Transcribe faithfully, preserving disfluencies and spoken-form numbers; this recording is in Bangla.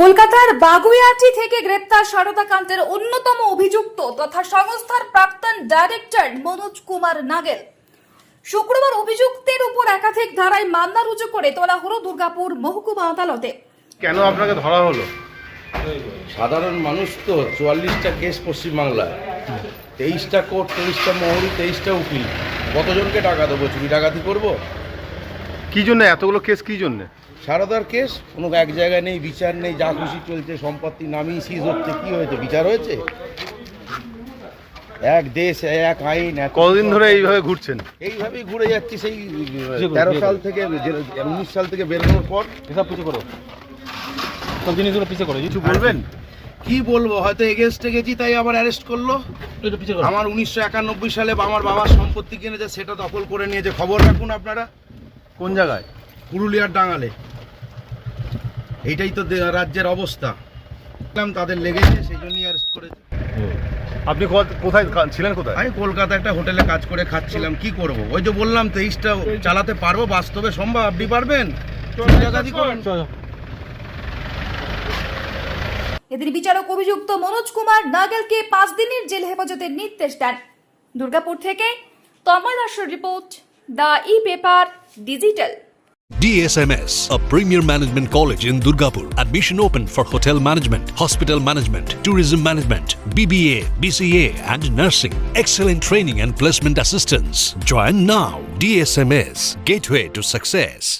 কলকাতার বাগুইআটি থেকে গ্রেপ্তার সারদা কাণ্ডের অন্যতম অভিযুক্ত তথা সংস্থার প্রাক্তন ডাইরেক্টর মনোজ কুমার নাগেল। শুক্রবার অভিযুক্তের উপর একাধিক ধারায় মামলা রুজু করে তোলা হলো দুর্গাপুর মহকুমা আদালতে। কেন আপনাকে ধরা হলো? সাধারণ মানুষ তো চুয়াল্লিশটা কেস পশ্চিমবাংলায়, তেইশটা কোর্ট, তেইশটা মহরি, তেইশটা উকিল, কতজনকে টাকা দেবো? চুরি ডাকাতি করবো? কি জন্য এতগুলো কেস? কি জন্য? সারদার কেস কোনো এক জায়গায় নেই, বিচার নেই, যা খুশি চলছে, সম্পত্তি নামিয়ে সিজ হচ্ছে। কি হয়েছে? বিচার হয়েছে? এক দেশ, এক আইন। কতদিন ধরে এইভাবে ঘুরছেন? এইভাবেই ঘুরে যাচ্ছি সেই তেরো সাল থেকে, উনিশ সাল থেকে বেরোনোর পর। এসব পিছিয়ে করো, সব জিনিসগুলো পিছিয়ে করো। কিছু বলবেন? কি বলবো, হয়তো এগেনস্টে গেছি তাই আবার অ্যারেস্ট করলো। একটু পিছিয়ে করো। আমার উনিশশো একানব্বই সালে আমার বাবার সম্পত্তি কিনেছে, সেটা দখল করে নিয়েছে। খবর রাখুন আপনারা। কোন জায়গায়? পুরুলিয়ার ডাঙালে। এইটাই তো দে- রাজ্যের অবস্থা। দেখলাম তাদের লেগেছে, সেই জন্যই অ্যারেস্ট করেছে। আপনি কো- কোথায় কা- ছিলেন? কোথায়? আমি কলকাতা একটা হোটেলে কাজ করে খাচ্ছিলাম। কি করব? ওই যে বললাম তেইশটা চালাতে পারবো, বাস্তবে সম্ভব? আপনি পারবেন? চুরি ডাকাতি করুন। এদিন বিচারক অভিযুক্ত মনোজ কুমার নাগেলকে পাঁচ দিনের জেল হেফাজতের নির্দেশ দেন। দুর্গাপুর থেকে তন্ময় দাসের report, the e paper digital. D S M S, a premier management college in Durgapur. Admission open for hotel management, hospital management, tourism management, B B A, B C A and nursing. Excellent training and placement assistance. Join now. D S M S, gateway to success.